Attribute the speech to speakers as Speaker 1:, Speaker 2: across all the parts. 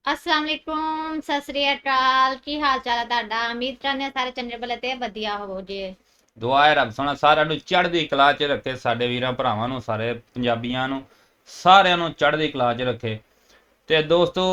Speaker 1: अस्सलाम वालेकुम सत श्री अकाल की हाल चाल है ਤੁਹਾਡਾ ਉਮੀਦ ਕਰਨੇ ਸਾਰੇ ਚੰਗੇ ਭਲੇ ਤੇ ਵਧੀਆ ਹੋਵੋ ਜੀ।
Speaker 2: ਦੁਆ ਹੈ ਰੱਬ ਸੋਹਣਾ ਸਾਰਿਆਂ ਨੂੰ ਚੜ੍ਹਦੀ ਕਲਾ 'ਚ ਰੱਖੇ, ਸਾਡੇ ਵੀਰਾਂ ਭਰਾਵਾਂ ਨੂੰ, ਸਾਰੇ ਪੰਜਾਬੀਆਂ ਨੂੰ, ਸਾਰਿਆਂ ਨੂੰ ਚੜ੍ਹਦੀ ਕਲਾ 'ਚ ਰੱਖੇ। ਤੇ ਦੋਸਤੋ,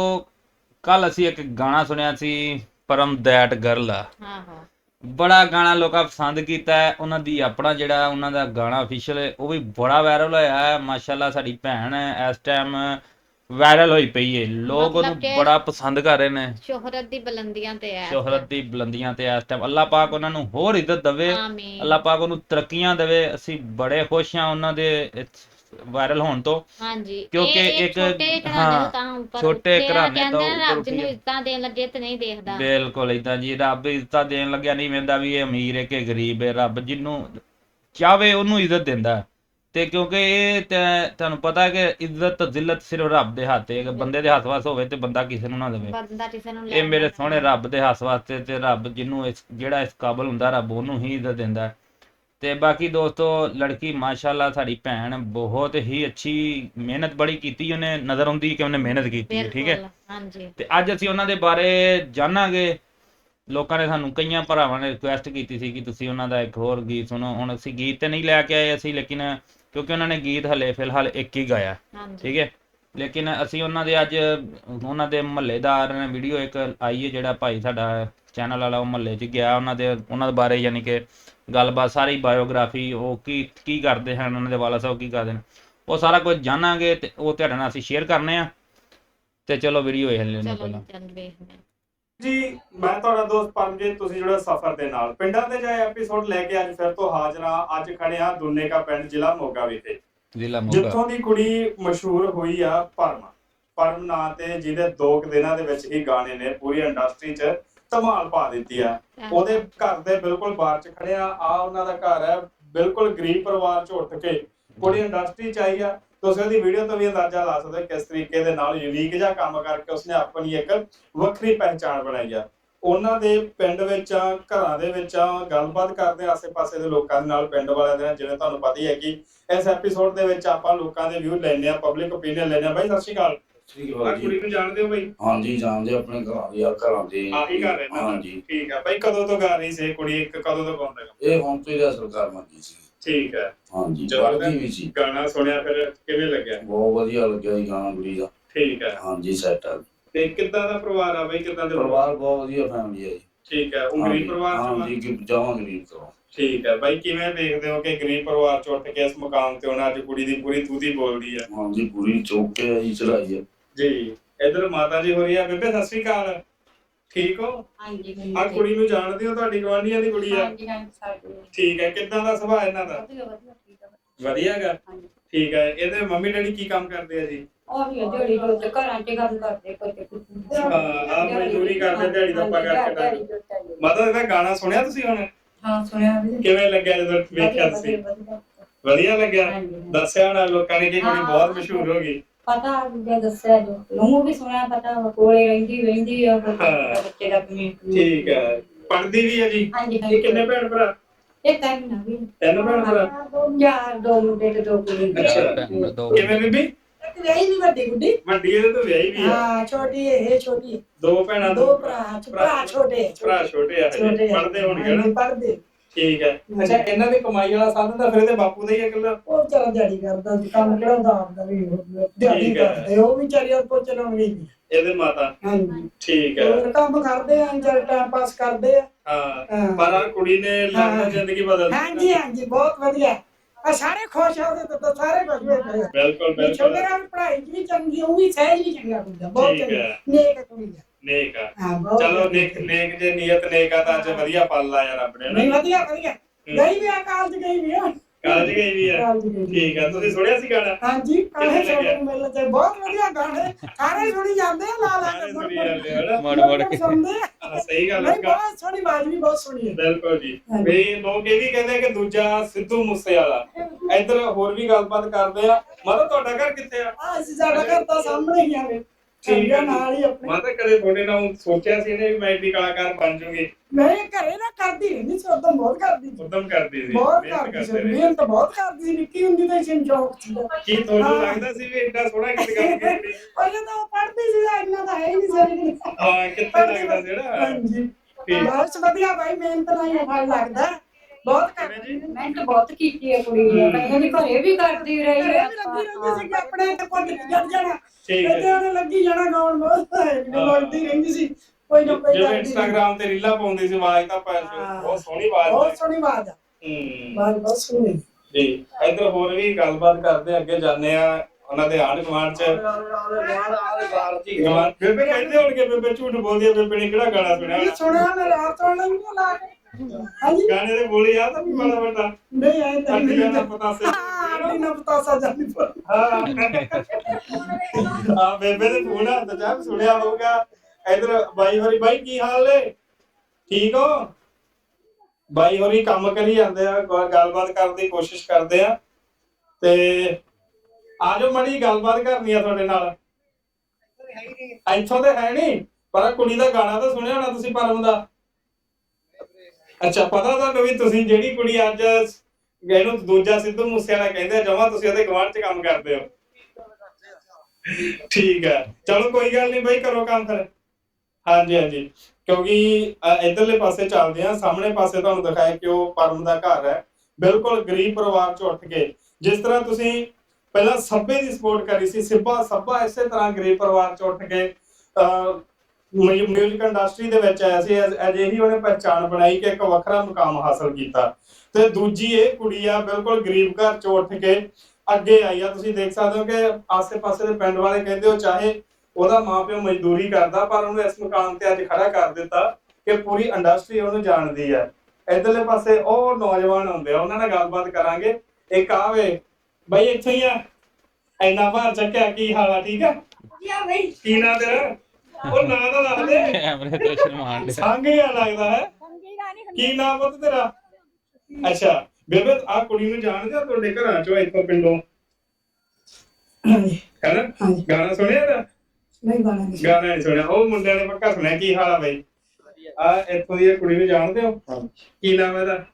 Speaker 2: ਕੱਲ ਅਸੀਂ ਇੱਕ ਗਾਣਾ ਸੁਣਿਆ ਸੀ, ਪਰਮ ਦੈਟ ਗਰਲ ਆ।
Speaker 1: ਆਹੋ
Speaker 2: ਬੜਾ ਗਾਣਾ ਲੋਕਾਂ ਪਸੰਦ ਕੀਤਾ ਹੈ। ਉਹਨਾਂ ਦੀ ਆਪਣਾ ਜਿਹੜਾ ਉਹਨਾਂ ਦਾ ਗਾਣਾ ਅਫੀਸ਼ੀਅਲ ਹੈ ਉਹ ਵੀ ਬੜਾ ਵਾਇਰਲ ਹੋਇਆ ਹੈ। ਮਾਸ਼ਾਅੱਲਾ ਸਾਡੀ ਭੈਣ ਇਸ ਟਾਈਮ ਵਾਇਰਲ ਹੋਈ ਪਈ ਹੈ, ਲੋਕ ਉਹਨੂੰ
Speaker 1: ਮਤਲਬ ਕਿ
Speaker 2: ਬੜਾ ਪਸੰਦ ਕਰ ਰਹੇ ਨੇ।
Speaker 1: ਸ਼ੋਹਰਤ ਦੀ ਬੁਲੰਦੀਆਂ ਤੇ ਹੈ ਇਸ
Speaker 2: ਸ਼ੋਹਰਤ
Speaker 1: time।
Speaker 2: ਦੀ ਬੁਲੰਦੀਆਂ ਤੇ ਇਸ ਟਾਈਮ ਅੱਲਾਹ ਪਾਕ ਉਹਨਾਂ ਨੂੰ ਹੋਰ ਇੱਜ਼ਤ ਦੇਵੇ,
Speaker 1: ਆਮੀਨ।
Speaker 2: ਅੱਲਾਹ ਪਾਕ ਉਹਨੂੰ ਤਰੱਕੀਆਂ ਦੇਵੇ। ਅਸੀਂ ਬੜੇ ਖੁਸ਼ ਹਾਂ ਉਹਨਾਂ ਦੇ ਵਾਇਰਲ ਹੋਣ ਤੋਂ,
Speaker 1: ਹਾਂਜੀ
Speaker 2: ਕਿਉਂਕਿ
Speaker 1: ਇਹ
Speaker 2: ਇੱਕ
Speaker 1: ਛੋਟੇ ਘਰਾਣੇ ਤੋਂ
Speaker 2: ਹਾਂ
Speaker 1: ਤਾਂ ਉੱਪਰ
Speaker 2: ਛੋਟੇ
Speaker 1: ਉੱਠਿਆ,
Speaker 2: ਘਰਾਣੇ ਤੋਂ
Speaker 1: ਕਹਿੰਦੇ ਨੇ
Speaker 2: ਉੱਪਰ
Speaker 1: ਰੱਬ
Speaker 2: ਉੱਠੀ
Speaker 1: ਜਿਹਨੂੰ
Speaker 2: ਹੈ।
Speaker 1: ਇੱਜ਼ਤਾਂ ਦੇਣ ਲੱਗੇ ਤੇ ਨਹੀਂ ਦੇਖਦਾ।
Speaker 2: ਬਿਲਕੁਲ ਏਦਾਂ ਜੀ, ਰੱਬ ਇੱਜ਼ਤਾਂ ਦੇਣ ਲੱਗਿਆ ਨਹੀਂ ਵੇਂਦਾ ਵੀ ਇਹ ਅਮੀਰ ਹੈ ਕਿ ਗਰੀਬ ਹੈ। ਰੱਬ ਜਿਹਨੂੰ ਚਾਹਵੇ ਉਹਨੂੰ ਇੱਜ਼ਤ ਦਿੰਦਾ ਹੈ। ਤੇ ਕਿਉਂਕਿ ਇਹ ਤੁਹਾਨੂੰ ਪਤਾ ਹੈ ਕਿ ਇੱਜ਼ਤ ਜ਼ਿਲਤ ਸਿਰਫ ਰੱਬ ਦੇ ਹੱਥ ਹੈ। ਬੰਦੇ ਦੇ ਹੱਥ ਵਾਸ ਹੋਵੇ ਤੇ ਬੰਦਾ ਕਿਸੇ ਨੂੰ ਨਾ ਦੇਵੇ।
Speaker 1: ਬੰਦਾ ਕਿਸੇ ਨੂੰ
Speaker 2: ਇਹ
Speaker 1: ਲੈ
Speaker 2: ਮੇਰੇ
Speaker 1: ਜਾਂਦਾ
Speaker 2: ਸੋਹਣੇ ਰੱਬ ਦੇ ਹੱਥ ਵਾਸਤੇ, ਤੇ ਰੱਬ ਜਿਹਨੂੰ ਜਿਹੜਾ ਇਸ ਕਾਬਲ ਹੁੰਦਾ ਰੱਬ ਉਹਨੂੰ ਹੀ ਇੱਜ਼ਤ ਦਿੰਦਾ ਹੈ। ਤੇ ਬਾਕੀ ਦੋਸਤੋ, ਲੜਕੀ ਮਾਸ਼ਾਅੱਲਾ ਸਾਡੀ ਭੈਣ ਬਹੁਤ ਹੀ ਅੱਛੀ, ਮਿਹਨਤ ਬੜੀ ਕੀਤੀ ਉਹਨੇ, ਨਜ਼ਰ ਆਉਂਦੀ ਕਿ ਉਹਨੇ ਮਿਹਨਤ ਕੀਤੀ ਹੈ। ਠੀਕ ਹੈ।
Speaker 1: ਬਿਲਕੁਲ ਹਾਂਜੀ।
Speaker 2: ਤੇ ਅੱਜ ਅਸੀਂ ਉਹਨਾਂ ਦੇ ਬਾਰੇ ਜਾਣਾਂਗੇ। ਲੋਕਾਂ ਨੇ ਸਾਨੂੰ, ਕਈਆਂ ਭਰਾਵਾਂ ਨੇ ਰਿਕੁਐਸਟ ਕੀਤੀ ਸੀ ਕਿ ਤੁਸੀਂ ਉਹਨਾਂ ਦਾ ਇੱਕ ਹੋਰ ਗੀਤ ਸੁਣੋ। ਹੁਣ ਅਸੀਂ ਗੀਤ ਤੇ ਨਹੀਂ ਲੈ ਕੇ ਆਏ ਅਸੀਂ, ਲੇਕਿਨ ਕਿਉਂਕਿ ਉਹਨਾਂ ਨੇ ਗੀਤ ਹਲੇ ਫਿਲਹਾਲ ਇੱਕ ਹੀ ਗਾਇਆ,
Speaker 1: ਹਾਂਜੀ
Speaker 2: ਠੀਕ ਹੈ। ਲੇਕਿਨ ਅਸੀਂ ਉਹਨਾਂ ਦੇ ਅੱਜ, ਉਹਨਾਂ ਦੇ ਮਹੱਲੇਦਾਰ ਨੇ ਵੀਡੀਓ ਇੱਕ ਆਈ ਹੈ, ਜਿਹੜਾ ਭਾਈ ਸਾਡਾ ਚੈਨਲ ਵਾਲਾ ਉਹ ਮਹੱਲੇ 'ਚ ਗਿਆ, ਉਹਨਾਂ ਦੇ ਬਾਰੇ ਯਾਨੀ ਕਿ ਗੱਲਬਾਤ ਸਾਰੀ ਬਾਇਓਗ੍ਰਾਫੀ, ਉਹ ਕੀ ਕੀ ਕਰਦੇ ਹਨ, ਉਹਨਾਂ ਦੇ ਵਾਲਾ ਸਾਹਿਬ ਕੀ ਕਰਦੇ ਨੇ, ਉਹ ਸਾਰਾ ਕੁਝ ਜਾਣਾਂਗੇ ਤੇ ਉਹ ਤੁਹਾਡੇ ਨਾਲ ਅਸੀਂ ਸ਼ੇਅਰ ਕਰਨੇ ਆ। ਤੇ ਚਲੋ ਵੀਡੀਓ ਵੇਖ ਲੈਂਦੇ
Speaker 1: ਚਲੋ
Speaker 2: ਪਹਿਲਾਂ।
Speaker 1: ਜੀ ਚੱਲ ਵੇਖਦੇ ਹਾਂ।
Speaker 3: ਜੀ ਮੈਂ ਤੁਹਾਡਾ ਦੋਸਤ ਪਰਮਜੀਤ, ਤੁਸੀਂ ਜੁੜੇ ਸਫ਼ਰ ਦੇ ਨਾਲ ਪਿੰਡਾਂ ਦੇ ਜਾਏ ਐਪੀਸੋਡ ਲੈ ਕੇ ਅੱਜ ਫਿਰ ਤੋਂ ਹਾਜ਼ਰ ਹਾਂ। ਅੱਜ ਖੜੇ ਹਾਂ ਦੁੰਨੇਕਾ ਪਿੰਡ, ਜ਼ਿਲ੍ਹਾ ਮੋਗਾ ਵਿਖੇ,
Speaker 2: ਜ਼ਿਲ੍ਹਾ ਮੋਗਾ।
Speaker 3: ਜਿੱਥੋਂ ਦੀ ਕੁੜੀ ਮਸ਼ਹੂਰ ਹੋਈ ਆ ਪਰਮ ਨਾਂ ਤੇ, ਜਿਹਦੇ 2 ਦਿਨਾਂ ਦੇ ਵਿੱਚ ਹੀ ਗਾਣੇ ਨੇ ਪੂਰੀ ਇੰਡਸਟਰੀ 'ਚ ਧਮਾਲ ਪਾ ਦਿੱਤੀ ਆ। ਉਹਦੇ ਘਰ ਦੇ ਬਿਲਕੁਲ ਬਾਹਰ 'ਚ ਖੜੇ ਆ ਉਹਨਾਂ ਦਾ ਘਰ ਹੈ। ਬਿਲਕੁਲ ਗਰੀਬ ਪਰਿਵਾਰ 'ਚ ਉੱਠ ਕੇ ਕੁੜੀ ਇੰਡਸਟਰੀ 'ਚ ਆਈ ਆ। ਤੁਸੀਂ ਉਹਦੀ ਵੀਡੀਓ ਤੋਂ ਵੀ ਅੰਦਾਜ਼ਾ ਲਾ ਸਕਦੇ ਕਿਸ ਤਰੀਕੇ ਦੇ ਨਾਲ ਯੂਨੀਕ ਜਿਹਾ ਕੰਮ ਕਰਕੇ ਉਸਨੇ ਆਪਣੀ ਇੱਕ ਵੱਖਰੀ ਪਹਿਚਾਣ ਬਣਾਈ ਆ। ਉਹਨਾਂ ਦੇ ਪਿੰਡ ਵਿੱਚ ਘਰਾਂ ਦੇ ਵਿੱਚ ਗੱਲਬਾਤ ਕਰਦੇ ਆਸੇ-ਪਾਸੇ ਦੇ ਲੋਕਾਂ ਦੇ ਨਾਲ, ਪਿੰਡ ਵਾਲਿਆਂ ਦੇ ਨਾਲ। ਜਿਵੇਂ ਤੁਹਾਨੂੰ ਪਤਾ ਹੀ ਹੈ ਕਿ ਇਸ ਐਪੀਸੋਡ ਦੇ ਵਿੱਚ ਆਪਾਂ ਲੋਕਾਂ ਦੇ ਵਿਊ ਲੈਣੇ ਆ, ਪਬਲਿਕ ਓਪੀਨੀਅਨ ਲੈਣੇ ਆ। ਬਾਈ ਸਤਿ ਸ਼੍ਰੀ ਅਕਾਲ। ਕੁੜੀ ਨੂੰ ਜਾਣਦੇ ਹੋ ਬਾਈ?
Speaker 4: ਹਾਂਜੀ ਜਾਣਦੇ, ਆਪਣੇ ਘਰਾਂ ਦੀ ਘਰਾਂ ਦੇ
Speaker 3: ਆਹੀ ਘਰ ਹੈ ਨਾ?
Speaker 4: ਹਾਂਜੀ
Speaker 3: ਠੀਕ ਹੈ ਬਾਈ। ਕਦੋਂ ਤੋਂ ਗਾ ਰਹੀ ਸੀ ਕੁੜੀ, ਕਦੋਂ ਤੋਂ ਗਾਉਂਦਾ?
Speaker 4: ਇਹ ਹੁਣ ਤੋਂ ਹੀ ਸਰਕਾਰ ਮੰਗੀ ਸੀ।
Speaker 3: ਠੀਕ ਹੈ।
Speaker 4: ਹਾਂਜੀ
Speaker 3: ਜਦੋਂ
Speaker 4: ਪੜ੍ਹਦੀ ਵੀ ਸੀ।
Speaker 3: ਗਾਣਾ ਸੁਣਿਆ ਫਿਰ ਕਿਵੇਂ ਲੱਗਿਆ?
Speaker 4: ਬਹੁਤ ਵਧੀਆ ਲੱਗਿਆ ਜੀ ਗਾਣਾ ਕੁੜੀ ਦਾ।
Speaker 3: ਠੀਕ ਹੈ।
Speaker 4: ਹਾਂਜੀ ਸੈਟ ਆ।
Speaker 3: ਤੇ ਕਿੱਦਾਂ ਦਾ ਪਰਿਵਾਰ ਆ ਬਾਈ, ਕਿੱਦਾਂ ਦੇ
Speaker 4: ਪਰਿਵਾਰ ਬਹੁਤ ਵਧੀਆ ਫੈਮਿਲੀ ਹੈ ਜੀ।
Speaker 3: ਠੀਕ ਹੈ। ਉਹ ਗਰੀਬ ਪਰਿਵਾਰ ਚੋਂ ਆ?
Speaker 4: ਹਾਂਜੀ ਜਾਵਾਂ ਗਰੀਬ ਤੋਂ।
Speaker 3: ਠੀਕ ਹੈ ਬਾਈ। ਕਿਵੇਂ ਦੇਖਦੇ ਹੋ ਕਿ ਗਰੀਬ ਪਰਿਵਾਰ ਚੋਂ ਉੱਠ ਕੇ ਇਸ ਮੁਕਾਮ ਤੇ ਹੁਣ ਅੱਜ ਕੁੜੀ ਦੀ ਪੂਰੀ ਤੂਤੀ ਬੋਲਦੀ ਆ?
Speaker 4: ਹਾਂਜੀ ਪੂਰੀ ਚੌਕੇ ਆ ਜੀ, ਚੜਾਈ ਹੈ
Speaker 3: ਜੀ। ਇੱਧਰ ਮਾਤਾ ਜੀ ਹੋ ਰਹੀ ਆ। ਬੇਬੇ ਸਤਿ ਸ਼੍ਰੀ ਅਕਾਲ, ਠੀਕ ਹੋ?
Speaker 5: ਹਾਂਜੀ
Speaker 3: ਆ ਕੁੜੀ ਨੂੰ ਜਾਣਦੇ ਹੋ? ਤੁਹਾਡੀ ਗਵਾਂਢੀਆਂ ਦੀ ਕੁੜੀ ਆ?
Speaker 5: ਹਾਂਜੀ ਸਾਡੇ
Speaker 3: ਠੀਕ ਹੈ। ਕਿੱਦਾਂ ਦਾ ਸੁਭਾਅ ਇਹਨਾਂ ਦਾ?
Speaker 5: ਵਧੀਆ ਵਧੀਆ ਠੀਕ ਆ।
Speaker 3: ਵਧੀਆ ਹੈਗਾ।
Speaker 5: ਹਾਂਜੀ
Speaker 3: ਠੀਕ ਹੈ। ਇਹਦੇ ਮੰਮੀ ਡੈਡੀ ਕੀ ਕੰਮ ਕਰਦੇ ਆ ਜੀ?
Speaker 5: ਉਹ ਵੀ ਜਿਹੜੀ ਜੋ ਤੇ ਘਰਾਂ 'ਚ ਗੱਲ ਕਰਦੇ ਕੋਈ
Speaker 3: ਆਹ ਮਜ਼ਦੂਰੀ ਕਰਦੇ, ਦਿਹਾੜੀ ਦੱਪਾ ਕਰਕੇ। ਮਾਤਾ ਇਹਦਾ ਗਾਣਾ ਸੁਣਿਆ ਤੁਸੀਂ ਹੁਣ?
Speaker 5: ਹਾਂ ਸੁਣਿਆ ਵੀ।
Speaker 3: ਕਿਵੇਂ ਲੱਗਿਆ ਜਦੋਂ ਵੇਖਿਆ ਤੁਸੀਂ? ਵਧੀਆ ਲੱਗਿਆ?
Speaker 5: ਹਾਂਜੀ।
Speaker 3: ਦੱਸਿਆ ਹੋਣਾ ਲੋਕਾਂ ਨੇ ਕਿ ਕੁੜੀ ਬਹੁਤ ਮਸ਼ਹੂਰ ਹੋ ਗਈ।
Speaker 5: ਪਤਾ ਜੇ ਦੱਸਿਆ ਜੋ ਨੂੰ ਵੀ ਸੁਣਿਆ, ਪਤਾ ਕੋਲੇ ਰਹਿੰਦੀ ਆ ਬੱਚੇ ਦਾ ਕਿਵੇਂ।
Speaker 3: ਠੀਕ ਹੈ। ਪੜ੍ਹਦੀ ਵੀ ਹੈ ਜੀ?
Speaker 5: ਹਾਂਜੀ
Speaker 3: ਇਹ ਕਿੰਨੇ ਭੈਣ ਭਰਾ?
Speaker 5: ਇਹ ਤਾਂ ਨਾ ਵੀ
Speaker 3: 3 ਭੈਣ ਭਰਾ?
Speaker 5: ਯਾਰ 2 ਮੁੰਡੇ ਤੇ 2 ਕੁੜੀ।
Speaker 2: ਅੱਛਾ, ਦੋ।
Speaker 3: ਕਿਵੇਂ ਬੀਬੀ?
Speaker 6: ਇੱਕ ਵਿਆਹੀ ਵੀ ਵੱਡੀ ਗੁੱਡੀ।
Speaker 3: ਵੱਡੀ ਇਹਦੇ ਤੋਂ ਵਿਆਹੀ ਵੀ ਆ?
Speaker 6: ਹਾਂ ਛੋਟੀ ਇਹ ਛੋਟੀ।
Speaker 3: 2 ਭੈਣਾਂ?
Speaker 6: 2 ਭਰਾ ਛੋਟੇ।
Speaker 3: ਭਰਾ ਛੋਟੇ ਆ ਹਜੇ, ਪੜ੍ਹਦੇ ਹੋਣਗੇ ਨਾ?
Speaker 6: ਪੜ੍ਹਦੇ।
Speaker 3: ਠੀਕ ਹੈ। ਅੱਛਾ, ਇਹਨਾਂ ਦੀ ਕਮਾਈ ਵਾਲਾ ਸਾਧਨ ਤਾਂ ਫਿਰ ਇਹਦੇ ਬਾਪੂ ਦਾ ਹੀ ਹੈ ਇਕੱਲਾ?
Speaker 6: ਉਹ ਵਿਚਾਰਾ ਦਿਹਾੜੀ ਕਰਦਾ ਸੀ, ਕੰਮ ਕਰਾਉਂਦਾ ਆਪਦਾ ਵੀ ਦਿਹਾੜੀ
Speaker 3: ਠੀਕ ਹੈ।
Speaker 6: ਕਰਦੇ। ਉਹ ਵੀ ਵਿਚਾਰੀ ਆਪੋ ਚਲਾਉਣੀ ਵੀ।
Speaker 3: ਇਹਦੇ ਮਾਤਾ?
Speaker 6: ਹਾਂਜੀ
Speaker 3: ਠੀਕ ਹੈ।
Speaker 6: ਹੋਰ ਕੰਮ ਕਰਦੇ ਆ, ਚਲ ਟਾਈਮ ਪਾਸ ਕਰਦੇ ਆ।
Speaker 3: ਹਾਂ। ਪਰ ਆ ਕੁੜੀ ਨੇ ਲੱਗਦਾ ਜ਼ਿੰਦਗੀ ਬਦਲ
Speaker 6: ਹਾਂਜੀ ਹਾਂਜੀ ਬਹੁਤ ਵਧੀਆ। ਆ ਸਾਰੇ ਖੁਸ਼ ਹੋ ਗਏ ਤਾਂ ਸਾਰੇ ਖੁਸ਼ ਹੋਏ ਪਏ ਆ।
Speaker 3: ਬਿਲਕੁਲ ਬਿਲਕੁਲ।
Speaker 6: ਛੋਟੇ ਨਾਲ ਪੜ੍ਹਾਈ 'ਚ ਵੀ ਚੰਗੀ, ਉਹ ਵੀ ਸਹਿਜ ਵੀ ਚੰਗਾ ਕੁੜੀ ਆ, ਬਹੁਤ
Speaker 3: ਠੀਕ
Speaker 6: ਚੰਗੀ
Speaker 3: ਹੈ।
Speaker 6: ਨੇਕ ਕੁੜੀ ਆ।
Speaker 3: ਨੇਕ ਆ।
Speaker 6: ਹਾਂ ਬਹੁਤ
Speaker 3: ਚਲੋ
Speaker 6: ਵਧੀਆ।
Speaker 3: ਨੇਕ ਜੇ ਨੀਅਤ ਨੇਕ ਆ ਤਾਂ ਅੱਜ ਵਧੀਆ ਪਲ ਲਾਇਆ ਰੱਬ ਨੇ
Speaker 6: ਨਹੀਂ
Speaker 3: ਨਾ?
Speaker 6: ਵਧੀਆ ਵਧੀਆ। ਗਈ ਵੀ ਆ, ਕਾਲਜ ਗਈ ਵੀ ਆ।
Speaker 3: ਕਾਲਜ ਗਈ ਵੀ ਆ?
Speaker 6: ਕਾਲਜ ਗਈ ਵੀ ਆ।
Speaker 3: ਠੀਕ ਆ। ਤੁਸੀਂ ਸੁਣਿਆ ਸੀ ਗਾਣਾ?
Speaker 6: ਹਾਂਜੀ ਕਾਹੇ
Speaker 3: ਕਿਵੇਂ ਲੱਗਿਆ?
Speaker 6: ਸੁਣਨ ਮਿਲ ਤੇ ਬਹੁਤ ਵਧੀਆ ਗਾਣੇ ਸਾਰੇ ਸੁਣੀ ਜਾਂਦੇ ਆ, ਲਾ ਲਾ
Speaker 3: ਸਾਰੇ
Speaker 6: ਕੇ
Speaker 3: ਸੁਣੀ ਜਾਂਦੇ ਆ ਨਾ?
Speaker 2: ਮੜ ਕੇ।
Speaker 6: ਸੁਣਦੇ ਆ।
Speaker 3: ਹਾਂ, ਸਹੀ ਗੱਲ
Speaker 6: ਨਹੀਂ
Speaker 3: ਹੈ।
Speaker 6: ਬਹੁਤ ਸੋਹਣੀ ਆਵਾਜ਼ ਵੀ ਬਹੁਤ ਸੋਹਣੀ ਹੈ।
Speaker 3: ਬਿਲਕੁਲ ਜੀ।
Speaker 6: ਹਾਂਜੀ।
Speaker 3: ਵੀ ਲੋਕ ਇਹ ਵੀ ਕਹਿੰਦੇ ਕਿ ਦੂਜਾ ਸਿੱਧੂ ਮੂਸੇ ਵਾਲਾ। ਇੱਧਰ ਹੋਰ ਵੀ ਗੱਲਬਾਤ ਕਰਦੇ ਆ। ਮਤਲਬ ਤੁਹਾਡਾ ਘਰ ਕਿੱਥੇ ਆ?
Speaker 6: ਆ ਅਸੀਂ ਸਾਡਾ ਘਰ ਤਾਂ ਸਾਹਮਣੇ ਹੀ ਆਵੇ।
Speaker 3: ਠੀਕ ਹੈ।
Speaker 6: ਨਾਲ ਹੀ ਆਪਣੇ।
Speaker 3: ਮੈਂ ਤਾਂ ਕਦੇ ਤੁਹਾਡੇ ਨਾਲ ਸੋਚਿਆ ਸੀ ਇਹਨੇ ਵੀ ਮੈਂ ਵੀ ਕਲਾਕਾਰ ਬਣ ਜੂਗੀ।
Speaker 6: ਮੈਂ ਘਰੇ ਨਾ ਕਰਦੀ ਰਹਿੰਦੀ ਸੀ, ਉਦੋਂ ਬਹੁਤ ਕਰਦੀ ਸੀ।
Speaker 3: ਉਦਮ ਕਰਦੀ ਸੀ,
Speaker 6: ਬਹੁਤ
Speaker 3: ਮਿਹਨਤ
Speaker 6: ਕਰਦੀ ਸੀ,
Speaker 3: ਕਰਦੇ ਰਹੇ।
Speaker 6: ਮਿਹਨਤ ਬਹੁਤ ਕਰਦੀ ਸੀ। ਨਿੱਕੀ ਹੁੰਦੀ ਤਾਂ ਇਸੇ ਸ਼ੌਕ ਸੀ।
Speaker 3: ਕੀ ਤੁਹਾਨੂੰ
Speaker 6: ਹਾਂ।
Speaker 3: ਲੱਗਦਾ ਸੀ ਵੀ ਇੰਨਾ ਸੋਹਣਾ ਕਿਤੇ ਕੰਮ ਕੀਤੀ?
Speaker 6: ਪਹਿਲਾਂ ਤਾਂ ਉਹ ਪੜ੍ਹਦੀ ਸੀ, ਇੰਨਾ ਤਾਂ ਹੈ ਹੀ ਨਹੀਂ ਸੀ।
Speaker 3: ਹਾਂ ਕਿੱਥੇ ਲੱਗਦਾ ਜਿਹੜਾ
Speaker 6: ਹਾਂਜੀ
Speaker 3: ਠੀਕ
Speaker 6: ਬਹੁਤ ਵਧੀਆ ਬਾਈ, ਮਿਹਨਤ ਨਾਲ ਹੀ ਫਲ ਲੱਗਦਾ। ਬਹੁਤ ਕਰ
Speaker 3: ਕਿਵੇਂ ਜੀ
Speaker 5: ਮਿਹਨਤ ਬਹੁਤ ਕੀਤੀ ਹੈ ਕੁੜੀ ਨੇ, ਕਹਿੰਦੀ ਘਰੇ ਵੀ ਕਰਦੀ ਰਹੀ
Speaker 6: ਘਰੇ
Speaker 5: ਹੈ।
Speaker 6: ਵੀ ਲੱਗੀ ਰਹਿੰਦੀ ਸੀ ਕਿ ਆਪਣੇ ਤੇ ਕੋਈ ਜੜ ਜਾਣਾ
Speaker 3: ਠੀਕ ਹੈ
Speaker 6: ਤੇ ਉਹਨੇ ਲੱਗੀ ਜਾਣਾ ਗਾਉਣ, ਬਹੁਤ ਲੱਗਦੀ ਰਹਿੰਦੀ ਸੀ ਕੋਈ ਨਾ ਕੋਈ
Speaker 3: ਜਿਵੇਂ
Speaker 6: ਕਰਦੀ
Speaker 3: ਇੰਸਟਾਗ੍ਰਾਮ ਤੇ ਰੀਲਾਂ ਪਾਉਂਦੀ ਸੀ ਆਵਾਜ਼ ਤਾਂ ਬਹੁਤ ਸੋਹਣੀ ਆਵਾਜ਼
Speaker 6: ਬਹੁਤ ਸੋਹਣੀ ਆਵਾਜ਼ ਆ,
Speaker 3: ਹੂੰ
Speaker 6: ਆਵਾਜ਼ ਬਹੁਤ ਸੋਹਣੀ।
Speaker 3: ਜੀ ਇੱਧਰ ਹੋਰ ਵੀ ਗੱਲਬਾਤ ਕਰਦੇ ਅੱਗੇ ਜਾਂਦੇ ਆ ਉਹਨਾਂ ਦੇ ਆਂਢ ਗੁਆਂਢ ਚ ਗਵਾਂਢ ਬੇਬੇ ਕਹਿੰਦੇ ਹੋਣਗੇ ਬੇਬੇ ਝੂਠ ਬੋਲਦੀ ਆ, ਬੇਬੇ ਨੇ ਕਿਹੜਾ ਗਾਣਾ ਸੁਣਿਆ
Speaker 6: ਇਹ
Speaker 3: ਹੋਣਾ?
Speaker 6: ਸੁਣਿਆ ਮੈਂ ਰਾਤ ਤੋਂ ਨਹੀਂ ਲਾ ਕੇ ਹਾਂਜੀ
Speaker 3: ਗਾਣੇ ਦੇ ਬੋਲੀ ਆ ਤਾਂ ਵੀ ਮਾੜਾ ਮੋਟਾ
Speaker 6: ਨਹੀਂ ਆਏ ਤਾਂ
Speaker 3: ਅੱਡੀ
Speaker 6: ਨਹੀਂ
Speaker 3: ਦਾ ਪਤਾ ਸੀ
Speaker 6: ਆਪਣੀ ਨਾ ਪਤਾਸਾ ਜਾਨੀ ਪਰ
Speaker 3: ਹਾਂ ਬੇਬੇ ਦੇ ਫੋਨ ਆ ਤਾਂ ਜਦ ਸੁਣਿਆ ਹੋਊਗਾ। ਇੱਧਰ ਬਾਈ ਹੋਰੀ, ਬਾਈ ਕੀ ਹਾਲ ਨੇ, ਠੀਕ ਹੋ? ਬਾਈ ਹੋਰੀ ਕੰਮ ਕਰੀ ਜਾਂਦੇ ਆ, ਗੱਲਬਾਤ ਕਰਨ ਦੀ ਕੋਸ਼ਿਸ਼ ਕਰਦੇ ਆ ਤੇ ਆਜੋ ਮੜੀ ਗੱਲਬਾਤ ਕਰਨੀ ਆ ਤੁਹਾਡੇ ਨਾਲ। ਇੱਥੋਂ ਤੇ ਹੈ ਨਹੀਂ ਪਰ ਕੁੜੀ ਦਾ ਗਾਣਾ ਤਾਂ ਸੁਣਿਆ ਹੋਣਾ ਤੁਸੀਂ ਪਰਮ ਦਾ। ਅੱਛਾ ਪਤਾ ਤੁਹਾਨੂੰ ਵੀ ਤੁਸੀਂ ਜਿਹੜੀ ਕੁੜੀ ਅੱਜ ਇਹਨੂੰ ਦੂਜਾ ਸਿੱਧੂ ਮੂਸੇਵਾਲਾ ਕਹਿੰਦੇ ਆ, ਜਮਾਂ ਤੁਸੀਂ ਉਹਦੇ ਗਵਾਂਢ 'ਚ ਕੰਮ ਕਰਦੇ ਹੋ। ਠੀਕ ਹੈ ਚਲੋ ਕੋਈ ਗੱਲ ਨਹੀਂ ਬਾਈ, ਕਰੋ ਕੰਮ ਫਿਰ। ਹਾਂਜੀ ਹਾਂਜੀ ਕਿਉਂਕਿ ਇਧਰਲੇ ਪਾਸੇ ਚੱਲਦੇ ਆ, ਸਾਹਮਣੇ ਪਾਸੇ ਤੁਹਾਨੂੰ ਦਿਖਾਇਆ ਕਿ ਉਹ ਪਰਮ ਦਾ ਘਰ ਹੈ, ਬਿਲਕੁਲ ਗਰੀਬ ਪਰਿਵਾਰ 'ਚ ਉੱਠ ਕੇ। ਜਿਸ ਤਰ੍ਹਾਂ ਤੁਸੀਂ ਪਹਿਲਾਂ ਸੱਭੇ ਦੀ ਸਪੋਰਟ ਕਰੀ ਸੀ, ਸੱਭਾ ਇਸੇ ਤਰ੍ਹਾਂ ਗਰੀਬ ਪਰਿਵਾਰ 'ਚ ਉੱਠ ਕੇ ਮਿਊਜ਼ਿਕ ਇੰਡਸਟਰੀ ਦੇ ਵਿੱਚ ਆਇਆ ਸੀ। ਅਜਿਹੀ ਉਹਨੇ ਪਹਿਚਾਣ ਬਣਾਈ ਕਿ ਇੱਕ ਵੱਖਰਾ ਮੁਕਾਮ ਹਾਸਲ ਕੀਤਾ। ਤੇ ਦੂਜੀ ਇਹ ਕੁੜੀ ਆ ਬਿਲਕੁਲ ਗਰੀਬ ਘਰ 'ਚ ਉੱਠ ਕੇ ਅੱਗੇ ਆਈ ਆ। ਤੁਸੀਂ ਦੇਖ ਸਕਦੇ ਹੋ ਕਿ ਆਸੇ-ਪਾਸੇ ਦੇ ਪਿੰਡ ਵਾਲੇ ਕਹਿੰਦੇ ਹੋ ਚਾਹੇ ਉਹਦਾ ਮਾਪਿਓ ਮਜ਼ਦੂਰੀ ਕਰਦਾ ਪਰ ਉਹਨੂੰ ਇਸ ਮੁਕਾਮ ਤੇ ਅੱਜ ਖੜਾ ਕਰ ਦਿੱਤਾ ਕਿ ਪੂਰੀ ਇੰਡਸਟਰੀ ਉਹਨੂੰ ਜਾਣਦੀ ਹੈ। ਇਧਰਲੇ ਪਾਸੇ ਉਹ ਨੌਜਵਾਨ ਹੁੰਦੇ ਆ, ਉਹਨਾਂ ਨਾਲ ਗੱਲਬਾਤ ਕਰਾਂਗੇ। ਇੱਕ ਆਵੇ ਬਾਈ ਇੱਥੇ ਹੀ ਆ, ਇੰਨਾ ਭਾਰ ਚੱਕਿਆ, ਕੀ ਹਾਲ ਆ? ਠੀਕ ਆ ਕੀ ਨਾਂ ਤੇਰਾ? ਉਹ ਨਾਂ ਤਾਂ ਦੱਸ ਦੇ।
Speaker 2: ਕੈਮਰੇ ਤੋਂ ਸ਼ਰਮਾਨ ਡਿਆ।
Speaker 3: ਸੰਗ ਜਿਹਾ ਲੱਗਦਾ ਹੈ। ਕੀ ਨਾਮ ਪੁੱਤ ਤੇਰਾ? ਅੱਛਾ ਬੇਬੇ ਆ ਕੁੜੀ ਨੂੰ ਜਾਣਦੇ ਆ ਤੁਹਾਡੇ ਘਰਾਂ ਚੋਂ, ਇੱਥੋਂ ਪਿੰਡੋਂ ਹੈਨਾ?
Speaker 6: ਹਾਂਜੀ
Speaker 3: ਗਾਣਾ ਸੁਣਿਆ ਇਹਦਾ?
Speaker 6: ਨਹੀਂ ਗਾਣਾ ਨਹੀਂ
Speaker 3: ਗਾਣਾ ਨਹੀਂ ਸੁਣਿਆ, ਉਹ ਮੁੰਡਿਆਂ ਨੇ ਪੱਕਾ ਸੁਣਿਆ। ਕੀ ਹਾਲ ਆ ਬਾਈ? ਆ ਇੱਥੋਂ ਦੀ ਕੁੜੀ ਨੂੰ ਜਾਣਦੇ ਹੋ? ਕੀ ਨਾਮ ਹੈ ਇਹਦਾ?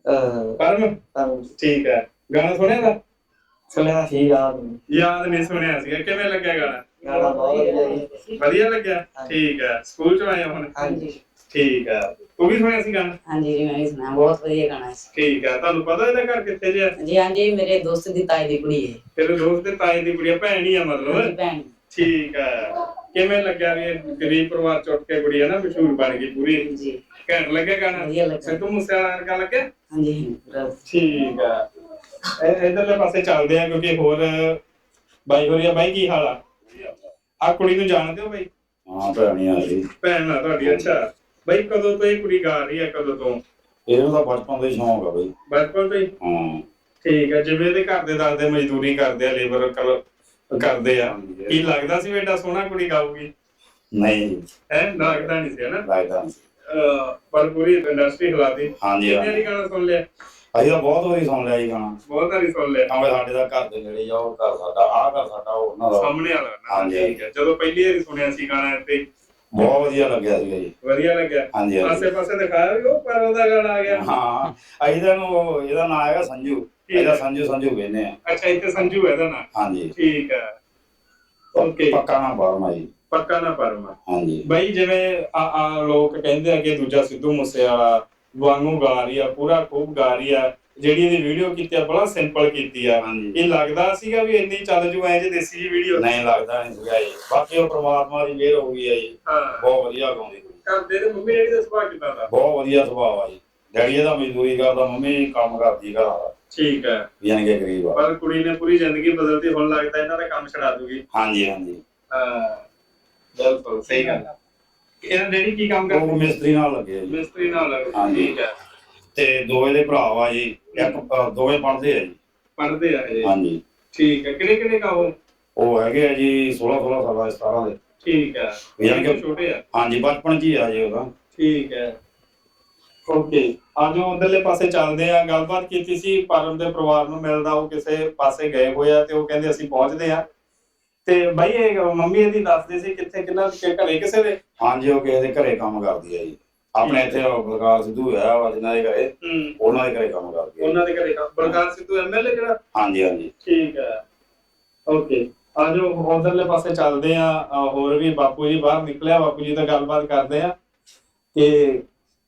Speaker 3: ਪਰਮ। ਠੀਕ ਹੈ ਗਾਣਾ ਸੁਣਿਆ ਇਹਦਾ?
Speaker 7: ਸੁਣਿਆ ਸੀ
Speaker 3: ਯਾਦ ਨਹੀਂ ਸੁਣਿਆ ਸੀਗਾ। ਕਿਵੇਂ ਲੱਗਿਆ ਗਾਣਾ?
Speaker 7: ਗਾਣਾ ਬਹੁਤ ਵਧੀਆ ਜੀ।
Speaker 3: ਵਧੀਆ ਲੱਗਿਆ। ਠੀਕ ਹੈ ਸਕੂਲ ਚ ਆਏ ਹੋ ਹੁਣ?
Speaker 7: ਹਾਂਜੀ
Speaker 3: ਠੀਕ ਹੈ ਤੂੰ ਵੀ ਸੁਣਿਆ ਸੀ ਗਾਣਾ?
Speaker 7: ਹਾਂਜੀ ਜੀ, ਮੈਂ ਵੀ ਸੁਣਿਆ, ਬਹੁਤ ਵਧੀਆ ਗਾਣਾ ਸੀ।
Speaker 3: ਠੀਕ ਹੈ ਤੁਹਾਨੂੰ ਪਤਾ ਇਹਦਾ ਘਰ ਕਿੱਥੇ ਜਿਆ?
Speaker 7: ਜੀ ਹਾਂਜੀ, ਮੇਰੇ ਦੋਸਤ ਦੀ ਤਾਈ ਦੀ ਕੁੜੀ ਹੈ।
Speaker 3: ਤੇਰੇ ਦੋਸਤ ਦੇ ਤਾਏ ਦੀ ਕੁੜੀ ਆ, ਭੈਣ ਹੀ ਆ
Speaker 7: ਮੇਰੀ
Speaker 3: ਮਤਲਬ?
Speaker 7: ਭੈਣ।
Speaker 3: ਠੀਕ ਹੈ ਕਿਵੇਂ ਲੱਗਿਆ ਵੀ ਇਹ ਗਰੀਬ ਪਰਿਵਾਰ ਚ ਉੱਠ ਕੇ ਕੁੜੀ ਹੈ ਨਾ ਮਸ਼ਹੂਰ ਬਣ ਗਈ ਪੂਰੀ?
Speaker 7: ਜੀ
Speaker 3: ਘੈਂਟ ਲੱਗਿਆ ਗਾਣਾ?
Speaker 7: ਵਧੀਆ ਲੱਗਾ।
Speaker 3: ਸਿੱਧੂ ਮੂਸੇਵਾਲਾ ਵਰਗਾ ਲੱਗਿਆ?
Speaker 7: ਹਾਂਜੀ ਪੂਰਾ।
Speaker 3: ਠੀਕ ਹੈ ਇਧਰਲੇ ਪਾਸੇ ਚੱਲਦੇ ਆ ਕਿਉਂਕਿ ਹੋਰ ਬਾਈ ਹੋਰੀ ਆ। ਬਾਈ ਕੀ ਹਾਲ ਆ? ਆ ਕੁੜੀ ਨੂੰ ਜਾਣਦੇ ਹੋ ਬਾਈ?
Speaker 4: ਹਾਂ ਭੈਣੀ ਆ ਜੀ,
Speaker 3: ਭੈਣ ਆ ਤੁਹਾਡੀ? ਅੱਛਾ ਬਾਈ ਕਦੋਂ ਤੋਂ ਇਹ ਕੁੜੀ ਗਾ ਰਹੀ ਹੈ, ਕਦੋਂ ਤੋਂ?
Speaker 4: ਇਹਨੂੰ ਤਾਂ ਬਚਪਨ ਤੋਂ ਹੀ ਸ਼ੌਂਕ ਆ ਬਈ।
Speaker 3: ਬਚਪਨ ਤੋਂ ਹੀ?
Speaker 4: ਹਾਂ
Speaker 3: ਠੀਕ ਹੈ ਜਿਵੇਂ ਇਹਦੇ ਘਰ ਦੇ ਦੱਸਦੇ ਮਜ਼ਦੂਰੀ ਕਰਦੇ ਆ, ਲੇਬਰ ਕਰਦੇ ਆ, ਕੀ ਲੱਗਦਾ ਸੀ ਵੀ ਏਡਾ ਸੋਹਣਾ ਕੁੜੀ ਗਾਊਗੀ?
Speaker 4: ਨਹੀਂ
Speaker 3: ਹੈ ਲੱਗਦਾ ਨਹੀਂ ਸੀ ਹਨਾ?
Speaker 4: ਲੱਗਦਾ ਨੀ।
Speaker 3: ਪਰ ਪੂਰੀ ਇੰਡਸਟਰੀ ਹਿਲਾਤੀ।
Speaker 4: ਹਾਂਜੀ
Speaker 3: ਕਿੰਨੇ ਵਾਰੀ ਗਾਣਾ ਸੁਣ ਲਿਆ?
Speaker 4: ਅਸੀਂ ਤਾਂ ਬਹੁਤ ਵਾਰੀ ਸੁਣ ਲਿਆ ਜੀ ਗਾਣਾ,
Speaker 3: ਬਹੁਤ ਵਾਰੀ ਸੁਣ ਲਿਆ।
Speaker 4: ਭਾਵੇਂ ਸਾਡੇ ਦਾ ਘਰ ਦੇ ਨੇੜੇ ਜਾ, ਉਹ ਘਰ ਸਾਡਾ, ਆਹ ਘਰ ਸਾਡਾ, ਉਹ ਉਹਨਾਂ ਦਾ।
Speaker 3: ਸਾਹਮਣੇ ਵਾਲਾ ਨਾ?
Speaker 4: ਹਾਂਜੀ।
Speaker 3: ਠੀਕ ਹੈ ਜਦੋਂ ਪਹਿਲੀ ਵਾਰੀ ਸੁਣਿਆ ਸੀ ਗਾਣਾ ਤੇ
Speaker 4: ਬਹੁਤ ਵਧੀਆ ਲੱਗਿਆ ਸੀਗਾ ਜੀ।
Speaker 3: ਵਧੀਆ ਲੱਗਿਆ?
Speaker 4: ਹਾਂਜੀ ਹਾਂਜੀ
Speaker 3: ਆਸੇ ਪਾਸੇ ਦਿਖਾਇਆ ਵੀ ਉਹ ਪਰ ਉਹਦਾ ਗਾਣਾ ਆ ਗਿਆ?
Speaker 4: ਹਾਂ ਅਸੀਂ ਤਾਂ ਇਹਨੂੰ, ਇਹਦਾ ਨਾਂ ਹੈਗਾ ਸੰਜੂ, ਇਹਦਾ ਸੰਜੂ ਕਹਿੰਦੇ ਆ।
Speaker 3: ਅੱਛਾ ਇੱਥੇ ਸੰਜੂ ਹੈ ਦਾ ਨਾਂ?
Speaker 4: ਹਾਂਜੀ
Speaker 3: ਠੀਕ ਹੈ ਓਕੇ
Speaker 4: ਪੱਕਾ ਨਾਂ ਪਰਮਾ ਜੀ।
Speaker 3: ਪੱਕਾ ਨਾ ਪਰਮਾ।
Speaker 4: ਹਾਂਜੀ
Speaker 3: ਬਈ ਜਿਵੇਂ ਆ ਲੋਕ ਕਹਿੰਦੇ ਆ ਕਿ ਦੂਜਾ ਸਿੱਧੂ ਮੂਸੇਵਾਲਾ ਵਾਂਗੂ ਗਾ ਰਹੀ ਆ, ਪੂਰਾ ਖੂਬ ਗਾ ਰਹੀ ਆ, ਜਿਹੜੀ ਇਹਦੀ ਵੀਡੀਓ ਕੀਤੀ ਆ ਬੜਾ ਸਿੰਪਲ ਕੀਤੀ ਆ।
Speaker 4: ਹਾਂਜੀ
Speaker 3: ਇਹ ਲੱਗਦਾ ਸੀਗਾ ਵੀ ਇੰਨੀ ਚੱਲ ਜੂ ਐ ਜੇ ਦੇਸੀ ਜੀ ਵੀਡੀਓ?
Speaker 4: ਨਹੀਂ ਲੱਗਦਾ ਨਹੀਂ ਸੀਗਾ ਜੀ, ਬਾਕੀ ਉਹ ਪ੍ਰਮਾਤਮਾ ਦੀ ਮਿਹਰ ਹੋ ਗਈ ਹੈ ਜੀ।
Speaker 3: ਹਾਂ
Speaker 4: ਬਹੁਤ ਵਧੀਆ ਗਾਉਂਦੀ ਕੁੜੀ,
Speaker 3: ਕਰਦੇ ਤੇ ਮੰਮੀ ਡੈਡੀ ਦਾ ਸੁਭਾਅ ਕਿਦਾਂ ਦਾ?
Speaker 4: ਬਹੁਤ ਵਧੀਆ ਸੁਭਾਅ ਆ ਜੀ। ਡੈਡੀ ਇਹਦਾ ਮਜ਼ਦੂਰੀ ਕਰਦਾ, ਮੰਮੀ ਕੰਮ ਕਰਦੀ ਘਰਾਂ ਦਾ,
Speaker 3: ਠੀਕ ਹੈ
Speaker 4: ਯਾਨੀ ਕਿ ਗਰੀਬ ਆ।
Speaker 3: ਪਰ ਕੁੜੀ ਨੇ ਪੂਰੀ ਜ਼ਿੰਦਗੀ ਬਦਲਤੀ, ਹੁਣ ਲੱਗਦਾ ਇਹਨਾਂ ਦਾ ਕੰਮ ਛਡਾ ਦੂਗੀ।
Speaker 4: ਹਾਂਜੀ ਹਾਂਜੀ
Speaker 3: ਹਾਂ ਬਿਲਕੁਲ ਸਹੀ ਗੱਲ। ਇਹਨਾਂ ਡੈਡੀ ਕੀ ਕੰਮ
Speaker 4: ਉਹ
Speaker 3: ਕਰਦੇ?
Speaker 4: ਮਿਸਤਰੀ ਨਾਲ ਲੱਗੇ ਆ ਜੀ।
Speaker 3: ਮਿਸਤਰੀ ਨਾਲ ਲੱਗੇ।
Speaker 4: ਹਾਂਜੀ।
Speaker 3: ਠੀਕ ਹੈ
Speaker 4: ਤੇ ਦੋਵੇਂ ਦੇ ਭਰਾ ਵਾ ਜੀ, ਇੱਕ ਦੋਵੇਂ ਪੜ੍ਹਦੇ ਆ ਜੀ।
Speaker 3: ਪੜ੍ਹਦੇ ਆ ਇਹ?
Speaker 4: ਹਾਂਜੀ
Speaker 3: ਠੀਕ ਹੈ ਕਿਹੜੇ ਕਿਹੜੇ ਕਾਹੋ?
Speaker 4: ਉਹ ਹੈਗੇ ਆ ਜੀ 16 ਸਾਲਾਂ 17 ਦੇ।
Speaker 3: ਠੀਕ ਹੈ
Speaker 4: ਯਾਨੀ ਕਿ
Speaker 3: ਛੋਟੇ ਆ?
Speaker 4: ਹਾਂਜੀ ਬਚਪਨ ਚ ਹੀ ਆ ਜੀ ਉਹਦਾ।
Speaker 3: ਠੀਕ ਹੈ ਓਕੇ ਆਜੋ ਉਧਰਲੇ ਪਾਸੇ ਚੱਲਦੇ ਆ। ਗੱਲਬਾਤ ਕੀਤੀ ਸੀ ਪਰਮ ਦੇ ਪਰਿਵਾਰ ਨੂੰ ਮਿਲਦਾ, ਉਹ ਕਿਸੇ ਪਾਸੇ ਗਏ ਹੋਏ ਆ ਤੇ ਉਹ ਕਹਿੰਦੇ ਅਸੀਂ ਪਹੁੰਚਦੇ ਆ। ਤੇ ਬਾਈ ਇਹ ਮੰਮੀ ਇਹਦੀ ਦੱਸਦੇ ਸੀ ਕਿੱਥੇ ਕਿੰਨਾ ਘਰੇ ਕਿਸੇ ਦੇ?
Speaker 4: ਹਾਂਜੀ ਉਹ ਕਿਸੇ ਦੇ ਘਰੇ ਕੰਮ ਕਰਦੀ ਆ ਜੀ। ਆਪਣੇ ਇੱਥੇ ਬਲਕਾਰ ਸਿੱਧੂ ਹੈ ਵਾ ਜਿਨ੍ਹਾਂ ਦੇ ਘਰੇ, ਉਹਨਾਂ ਦੇ ਘਰੇ ਕੰਮ ਕਰਦੀ ਆ।
Speaker 3: ਉਹਨਾਂ ਦੇ ਘਰੇ ਕੰਮ? ਬਲਕਾਰ ਸਿੱਧੂ ਐਮਐਲਏ ਜਿਹੜਾ?
Speaker 4: ਹਾਂਜੀ ਹਾਂਜੀ
Speaker 3: ਠੀਕ ਹੈ ਓਕੇ ਆਜੋ ਉਧਰਲੇ ਪਾਸੇ ਚੱਲਦੇ ਆ। ਹੋਰ ਵੀ ਬਾਪੂ ਜੀ ਬਾਹਰ ਨਿਕਲਿਆ, ਬਾਪੂ ਜੀ ਨਾਲ ਗੱਲਬਾਤ ਕਰਦੇ ਆ ਕਿ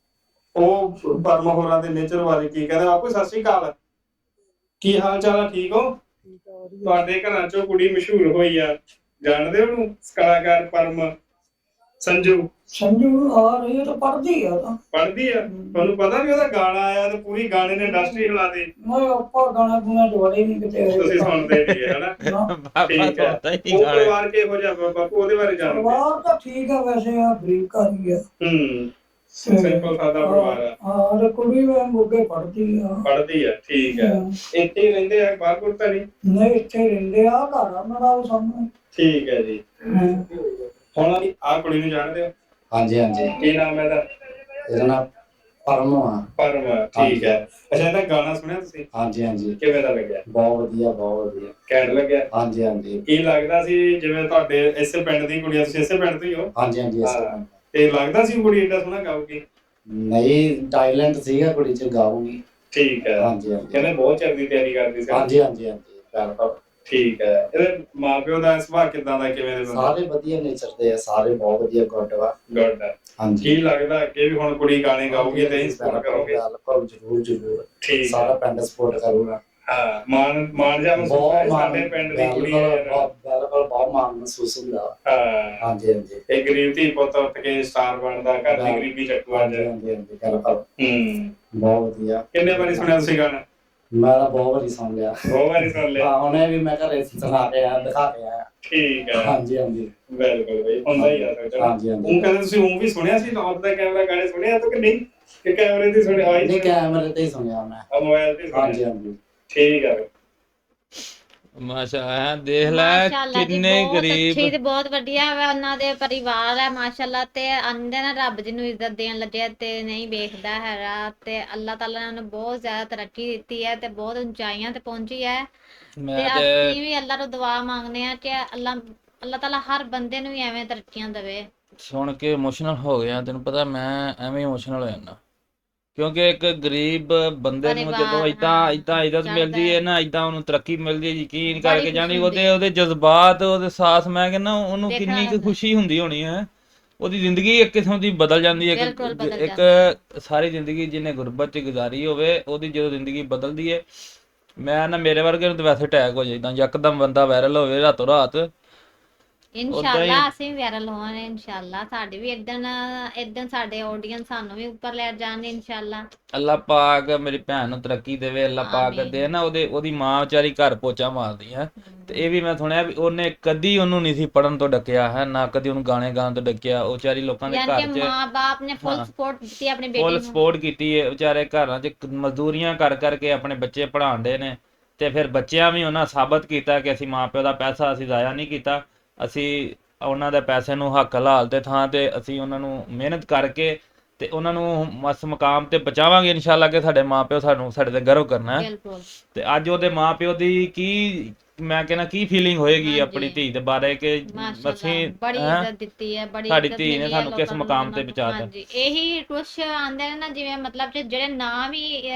Speaker 3: ਉਹ ਪਰਮ ਹੋਰਾਂ ਦੇ ਨੇਚਰ ਬਾਰੇ ਕੀ ਕਹਿੰਦੇ। ਬਾਪੂ ਸਤਿ ਸ਼੍ਰੀ ਅਕਾਲ, ਕੀ ਹਾਲ ਚਾਲ ਆ, ਠੀਕ ਹੋ? ਤੁਹਾਡੇ ਘਰਾਂ ਚੋਂ ਕੁੜੀ ਮਸ਼ਹੂਰ ਹੋਈ ਆ, ਜਾਣਦੇ ਹੋ ਉਹਨੂੰ, ਕਲਾਕਾਰ ਪਰਮ ਸੰਜੂ?
Speaker 6: ਸੰਜੂ ਆ ਰਹੀ ਹੈ ਤਾਂ ਪੜਦੀ ਆ ਤਾਂ
Speaker 3: ਪੜ੍ਹਦੀ ਆ? ਤੁਹਾਨੂੰ ਪਤਾ ਵੀ ਉਹਦਾ ਗਾਣਾ ਆਇਆ ਤੇ ਪੂਰੀ ਗਾਣੇ ਨੇ ਇੰਡਸਟਰੀ ਹਿਲਾ ਦੇ।
Speaker 6: ਮੈਂ ਆਪਾਂ ਗਾਣਾ ਗੁਣਾ ਜੋੜੇ ਨਹੀਂ ਕਿਤੇ
Speaker 3: ਤੁਸੀਂ ਸੁਣਦੇ ਨਹੀਂ ਹੈ ਹਨਾ?
Speaker 2: ਬਾਬਾ
Speaker 3: ਠੀਕ ਹੈ।
Speaker 2: ਸੋਤਾ ਹੀ
Speaker 3: ਉਹ
Speaker 2: ਗਾਣੇ।
Speaker 3: ਪਰਿਵਾਰ ਕਿਹੋ ਜਿਹਾ ਬਾਪੂ, ਉਹਦੇ ਬਾਰੇ ਜਾਣਦੇ?
Speaker 6: ਪਰਿਵਾਰ ਤਾਂ ਠੀਕ ਆ ਵੈਸੇ, ਆ ਬਰੀਕ ਕਰੀ ਆ।
Speaker 3: ਸਿੰਪਲ ਸਾਦਾ ਪਰਿਵਾਰ ਆ।
Speaker 6: ਹਾਂ ਤੇ ਕੁੜੀ ਵੇ ਮੁੱਗੇ ਪੜਦੀ ਆ।
Speaker 3: ਪੜ੍ਹਦੀ ਆ, ਠੀਕ ਹੈ। ਇੱਥੇ ਹੀ ਰਹਿੰਦੇ ਆ, ਬਾਹਰ ਬੁਰ ਤਾਂ ਨਹੀਂ?
Speaker 6: ਨਹੀਂ ਇੱਥੇ ਰਹਿੰਦੇ ਆ, ਘਰ ਆ ਮੇਰਾ ਉਹ ਸਾਹਮਣੇ।
Speaker 3: ਠੀਕ ਹੈ ਜੀ। ਹੁਣ ਆ ਕੁੜੀ ਨੂੰ ਜਾਣਦੇ ਹੋ?
Speaker 4: ਹਾਂਜੀ ਹਾਂਜੀ,
Speaker 3: ਕੀ ਨਾਮ ਹੈ ਇਹਦਾ?
Speaker 4: ਇਹਦਾ ਨਾਮ ਪਰਮ ਆ।
Speaker 3: ਪਰਮ, ਠੀਕ ਹੈ। ਅੱਛਾ, ਇਹਦਾ ਗਾਣਾ ਸੁਣਿਆ ਤੁਸੀਂ?
Speaker 4: ਹਾਂਜੀ ਹਾਂਜੀ,
Speaker 3: ਕਿਵੇਂ ਦਾ ਲੱਗਿਆ?
Speaker 4: ਬਹੁਤ ਵਧੀਆ ਬਹੁਤ ਵਧੀਆ,
Speaker 3: ਘੈਂਟ ਲੱਗਿਆ?
Speaker 4: ਹਾਂਜੀ ਹਾਂਜੀ
Speaker 3: ਕੀ ਲੱਗਦਾ ਸੀ ਜਿਵੇਂ ਤੁਹਾਡੇ ਇਸੇ ਪਿੰਡ ਦੀ ਕੁੜੀ ਆ, ਤੁਸੀਂ ਇਸੇ ਪਿੰਡ ਤੋਂ ਹੀ ਹੋ?
Speaker 4: ਹਾਂਜੀ ਹਾਂਜੀ।
Speaker 3: ਹਾਂ, ਤੇ ਲੱਗਦਾ ਸੀ ਕੁੜੀ ਏਡਾ ਸੋਹਣਾ ਗਾਊਗੀ?
Speaker 4: ਨਹੀਂ, ਟੈਲੈਂਟ ਸੀਗਾ ਕੁੜੀ ਚ, ਗਾਊਗੀ।
Speaker 3: ਠੀਕ ਹੈ।
Speaker 4: ਹਾਂਜੀ ਹਾਂਜੀ
Speaker 3: ਕਹਿੰਦੇ ਬਹੁਤ ਚਿਰ ਦੀ ਤਿਆਰੀ ਕਰਦੀ ਸੀ।
Speaker 4: ਹਾਂਜੀ ਹਾਂਜੀ ਹਾਂਜੀ, ਬਿਲਕੁਲ।
Speaker 3: ਠੀਕ ਹੈ। ਇਹਦੇ ਮਾਪਿਓ ਦਾ ਸੁਭਾਅ ਕਿਦਾਂ ਦਾ, ਕਿਵੇਂ ਦੇ ਬੰਦੇ?
Speaker 4: ਸਾਰੇ ਵਧੀਆ ਨੇਚਰ ਦੇ ਆ, ਸਾਰੇ ਬਹੁਤ ਵਧੀਆ, ਗੁੱਡ ਵਾ।
Speaker 3: ਗੁੱਡ ਹੈ।
Speaker 4: ਹਾਂਜੀ,
Speaker 3: ਕੀ ਲੱਗਦਾ ਕਿ ਵੀ ਹੁਣ ਕੁੜੀ ਗਾਣੇ ਗਾਊਗੀ ਤੇ ਹੀ ਸਪੋਰਟ ਕਰੋਗੇ?
Speaker 4: ਬਿਲਕੁਲ, ਜ਼ਰੂਰ ਜ਼ਰੂਰ,
Speaker 3: ਠੀਕ
Speaker 4: ਸਾਰਾ
Speaker 3: ਹੈ।
Speaker 4: ਪਿੰਡ ਸਪੋਰਟ ਕਰੂਗਾ।
Speaker 3: ਹਾਂ, ਮਾਣ ਜਾ ਮਹਿਸੂਸ
Speaker 4: ਬਹੁਤ
Speaker 3: ਹੈ
Speaker 4: ਮਾਣ,
Speaker 3: ਸਾਡੇ ਪਿੰਡ ਦੀ ਕੁੜੀ ਹੈ।
Speaker 4: ਬਿਲਕੁਲ ਬਹੁਤ ਮਾਣ ਮਹਿਸੂਸ ਹੁੰਦਾ।
Speaker 3: ਹਾਂ,
Speaker 4: ਹਾਂਜੀ ਹਾਂਜੀ
Speaker 3: ਇਹ ਗਰੀਬ ਧੀ ਪੁੱਤ ਉੱਠ ਕੇ ਸਟਾਰ ਬਣਦਾ, ਘਰ ਦੀ ਗਰੀਬੀ ਚੱਕੂ ਅੱਜ।
Speaker 4: ਹਾਂਜੀ ਹਾਂਜੀ ਹਾਂਜੀ, ਬਿਲਕੁਲ ਬਹੁਤ ਵਧੀਆ।
Speaker 3: ਕਿੰਨੇ ਵਾਰੀ ਸੁਣਿਆ ਤੁਸੀਂ ਗਾਣਾ?
Speaker 4: ਮੈਂ ਤਾਂ ਬਹੁਤ ਵਾਰੀ ਸੁਣ ਲਿਆ।
Speaker 3: ਬਹੁਤ ਵਾਰੀ ਸੁਣ ਲਿਆ?
Speaker 4: ਹਾਂ, ਹੁਣੇ ਵੀ ਮੈਂ ਘਰੇ ਸੁਣਾ ਕੇ ਆਇਆ, ਦਿਖਾ ਕੇ ਆਇਆ।
Speaker 3: ਠੀਕ ਹੈ।
Speaker 4: ਹਾਂਜੀ ਹਾਂਜੀ
Speaker 3: ਬਿਲਕੁਲ ਬਈ, ਹੁੰਦਾ ਹੀ ਆ ਸਕਦਾ।
Speaker 4: ਹਾਂਜੀ ਹਾਂਜੀ।
Speaker 3: ਉਹ ਕਹਿੰਦੇ ਤੁਸੀਂ ਉਹ ਵੀ ਸੁਣਿਆ ਸੀ, ਆਫ ਦਾ ਕੈਮਰਾ ਗਾਣੇ ਸੁਣਿਆ ਤਾਂ ਕਿ ਨਹੀਂ? ਕਿ ਕੈਮਰੇ ਦੀ ਸੁਣਿਆ? ਆਈ
Speaker 4: ਨਹੀਂ, ਕੈਮਰੇ ਤੇ ਹੀ ਸੁਣਿਆ ਮੈਂ।
Speaker 3: ਮੋਬਾਈਲ ਤੇ ਸੁਣਿਆ?
Speaker 4: ਹਾਂਜੀ ਹਾਂਜੀ।
Speaker 3: ਠੀਕ ਹੈ।
Speaker 2: ਮਾਸ਼ਾਅੱਲਾ, ਦੇਖ ਲੈ
Speaker 1: ਮਾਸ਼ਾਅੱਲਾ ਜੀ,
Speaker 2: ਕਿੰਨੇ
Speaker 1: ਬਹੁਤ ਅੱਛੀ
Speaker 2: ਗਰੀਬ।
Speaker 1: ਤੇ ਬਹੁਤ ਵਧੀਆ ਵਾ ਉਹਨਾਂ ਦੇ ਪਰਿਵਾਰ ਹੈ ਮਾਸ਼ਾਅੱਲਾ। ਤੇ ਆਂਦੇ ਨਾ ਰੱਬ ਜਿਹਨੂੰ ਇੱਜ਼ਤ ਦੇਣ ਲੱਗੇ ਤੇ ਨਹੀਂ ਵੇਖਦਾ ਹੈਗਾ, ਤੇ ਅੱਲਾਹ ਤਾਲਾ ਨੇ ਉਹਨੂੰ ਬਹੁਤ ਜ਼ਿਆਦਾ ਤਰੱਕੀ ਦਿੱਤੀ ਹੈ ਤੇ ਬਹੁਤ ਉਚਾਈਆਂ ਤੇ ਪਹੁੰਚੀ ਹੈ।
Speaker 2: ਮੈਂ
Speaker 1: ਤੇ
Speaker 2: ਤੇ
Speaker 1: ਅਸੀਂ ਵੀ ਅੱਲਾਹ ਤੋਂ ਦੁਆ ਮੰਗਦੇ ਆ ਕਿ ਅੱਲਾਹ ਤਾਲਾ ਹਰ ਬੰਦੇ ਨੂੰ ਹੀ ਐਵੇਂ ਤਰੱਕੀਆਂ ਦੇਵੇ।
Speaker 2: ਸੁਣ ਕੇ ਇਮੋਸ਼ਨਲ ਹੋ ਗਿਆ। ਤੈਨੂੰ ਪਤਾ ਮੈਂ ਐਵੇਂ ਇਮੋਸ਼ਨਲ ਹੋ ਜਾਂਦਾ, ਕਿਉਂਕਿ ਇੱਕ ਗਰੀਬ ਬੰਦੇ ਨੂੰ ਜਦੋਂ
Speaker 1: ਪਰਿਵਾਰ,
Speaker 2: ਇਦਾਂ
Speaker 1: ਹਾਂ,
Speaker 2: ਇਦਾਂ ਇੱਜ਼ਤ
Speaker 1: ਚੜ੍ਹਦਾ
Speaker 2: ਮਿਲਦੀ ਹੈ
Speaker 1: ਹੈ।
Speaker 2: ਨਾ, ਇਦਾਂ ਉਹਨੂੰ ਤਰੱਕੀ ਮਿਲਦੀ ਹੈ, ਯਕੀਨ
Speaker 1: ਬੜੀ
Speaker 2: ਕਰਕੇ
Speaker 1: ਖੁਸ਼ੀ
Speaker 2: ਜਾਣੀ
Speaker 1: ਹੁੰਦੀ
Speaker 2: ਉਹਦੇ
Speaker 1: ਹੈ।
Speaker 2: ਉਹਦੇ ਜਜ਼ਬਾਤ, ਉਹਦੇ ਸਾਥ, ਮੈਂ ਕਹਿੰਦਾ ਉਹਨੂੰ
Speaker 1: ਦੇਖਣਾ
Speaker 2: ਕਿੰਨੀ ਕੁ
Speaker 1: ਪੈਂਦਾ।
Speaker 2: ਖੁਸ਼ੀ ਹੁੰਦੀ ਹੋਣੀ ਹੈ। ਉਹਦੀ ਜ਼ਿੰਦਗੀ ਇੱਕ ਕਿਸਮ ਦੀ ਬਦਲ ਜਾਂਦੀ ਹੈ।
Speaker 1: ਬਿਲਕੁਲ ਬਦਲ
Speaker 2: ਇੱਕ
Speaker 1: ਜਾਂਦੀ
Speaker 2: ਸਾਰੀ ਜ਼ਿੰਦਗੀ ਜਿਹਨੇ ਗੁਰਬਤ 'ਚ ਗੁਜ਼ਾਰੀ ਹੋਵੇ, ਉਹਦੀ ਜਦੋਂ ਜ਼ਿੰਦਗੀ ਬਦਲਦੀ ਹੈ, ਮੈਂ ਨਾ ਮੇਰੇ ਵਰਗੇ ਨੂੰ ਤਾਂ ਵੈਸੇ ਅਟੈਕ ਹੋ ਜਾਂਦਾ, ਯਕਦਮ ਬੰਦਾ ਵਾਇਰਲ ਹੋਵੇ ਰਾਤੋਂ ਰਾਤ।
Speaker 1: ਇਨਸ਼ਾਅੱਲਾ ਅਸੀਂ ਵੀ ਵਾਇਰਲ ਹੋਵਾਂਗੇ। ਇਨਸ਼ਾਅੱਲਾ ਸਾਡੀ ਵੀ ਇਦਾਂ ਸਾਡੇ ਆਡੀਅנס ਸਾਨੂੰ ਵੀ ਉੱਪਰ ਲੈ ਜਾਣਗੇ ਇਨਸ਼ਾਅੱਲਾ।
Speaker 2: ਅੱਲਾਹ ਪਾਕ ਮੇਰੀ ਭੈਣ ਨੂੰ ਤਰੱਕੀ ਦੇਵੇ, ਅੱਲਾਹ ਪਾਕ
Speaker 1: ਆਮੀਨ।
Speaker 2: ਦੇ ਨਾ ਉਹਦੀ ਮਾਂ ਵਿਚਾਰੀ ਘਰ ਪੋਚਾ ਮਾਰਦੀ ਹੈ। ਤੇ ਇਹ ਵੀ ਮੈਂ ਸੁਣਿਆ ਵੀ ਉਹਨੇ ਕਦੀ ਉਹਨੂੰ ਨਹੀਂ ਸੀ ਪੜਨ ਤੋਂ ਡੱਕਿਆ ਹੈ, ਨਾ ਕਦੀ ਉਹਨੂੰ ਗਾਣੇ ਗਾਉਣ ਤੋਂ ਡੱਕਿਆ। ਉਹ ਵਿਚਾਰੀ ਲੋਕਾਂ ਦੇ
Speaker 1: ਯਾਨੀ
Speaker 2: ਘਰ
Speaker 1: ਕਿ
Speaker 2: 'ਚ
Speaker 1: ਮਾਂ-ਬਾਪ ਨੇ ਫੁੱਲ
Speaker 2: ਹਾਂ,
Speaker 1: ਸਪੋਰਟ ਦਿੱਤੀ ਆਪਣੀ ਬੇਟੀ
Speaker 2: ਫੁੱਲ
Speaker 1: ਨੂੰ।
Speaker 2: ਸਪੋਰਟ ਕੀਤੀ ਹੈ। ਵਿਚਾਰੇ ਘਰਾਂ 'ਚ ਮਜ਼ਦੂਰੀਆਂ ਕਰ ਕਰਕੇ ਆਪਣੇ ਬੱਚੇ ਪੜ੍ਹਾਉਂਦੇ ਨੇ, ਤੇ ਫਿਰ ਬੱਚਿਆਂ ਵੀ ਉਹਨਾਂ ਸਾਬਤ ਕੀਤਾ ਕਿ ਅਸੀਂ ਮਾਂ ਪਿਓ ਦਾ ਪੈਸਾ ਅਸੀਂ ਜ਼ਾਇਆ ਨਹੀਂ ਕੀਤਾ, ਅਸੀਂ ਉਹਨਾਂ ਦੇ ਪੈਸੇ ਨੂੰ ਹੱਕ ਹਲਾਲ ਦੇ ਥਾਂ ਤੇ ਅਸੀਂ ਉਹਨਾਂ ਨੂੰ ਮਿਹਨਤ ਕਰਕੇ ਤੇ ਉਹਨਾਂ ਨੂੰ ਮਸ ਮੁਕਾਮ ਤੇ ਪਹੁੰਚਾਵਾਂਗੇ ਇਨਸ਼ਾਅੱਲਾ, ਕਿ ਸਾਡੇ ਮਾਪਿਓ ਸਾਡੇ ਤੇ ਗਰਵ ਕਰਨਾ ਹੈ।
Speaker 1: ਬਿਲਕੁਲ।
Speaker 2: ਤੇ ਅੱਜ ਉਹਦੇ ਮਾਪਿਓ ਦੀ ਕੀ, ਮੈਂ ਕਹਿੰਦਾ ਕੀ ਫੀਲਿੰਗ ਹੋਏਗੀ ਆਪਣੀ
Speaker 1: ਹਾਂਜੀ।
Speaker 2: ਧੀ ਦੇ ਬਾਰੇ, ਕਿ
Speaker 1: ਮਾਸ਼ਾਅੱਲਾ
Speaker 2: ਅਸੀਂ
Speaker 1: ਬੜੀ
Speaker 2: ਹੈਂ,
Speaker 1: ਇੱਜ਼ਤ ਦਿੱਤੀ ਹੈ, ਬੜੀ
Speaker 2: ਸਾਡੀ
Speaker 1: ਇੱਜ਼ਤ
Speaker 2: ਧੀ ਨੇ
Speaker 1: ਮਿਲੀ ਹੈ
Speaker 2: ਸਾਨੂੰ ਕਿਸ
Speaker 1: ਲੋਕਾਂ ਨੂੰ
Speaker 2: ਮੁਕਾਮ
Speaker 1: ਉਹਨਾਂ
Speaker 2: ਤੇ
Speaker 1: ਨੂੰ।
Speaker 2: ਪਹੁੰਚਾਤਾ।
Speaker 1: ਹਾਂਜੀ, ਇਹੀ ਕੁਛ ਆਂਦੇ ਨੇ ਨਾ, ਜਿਵੇਂ ਮਤਲਬ ਕਿ ਜਿਹੜੇ ਨਾ ਵੀ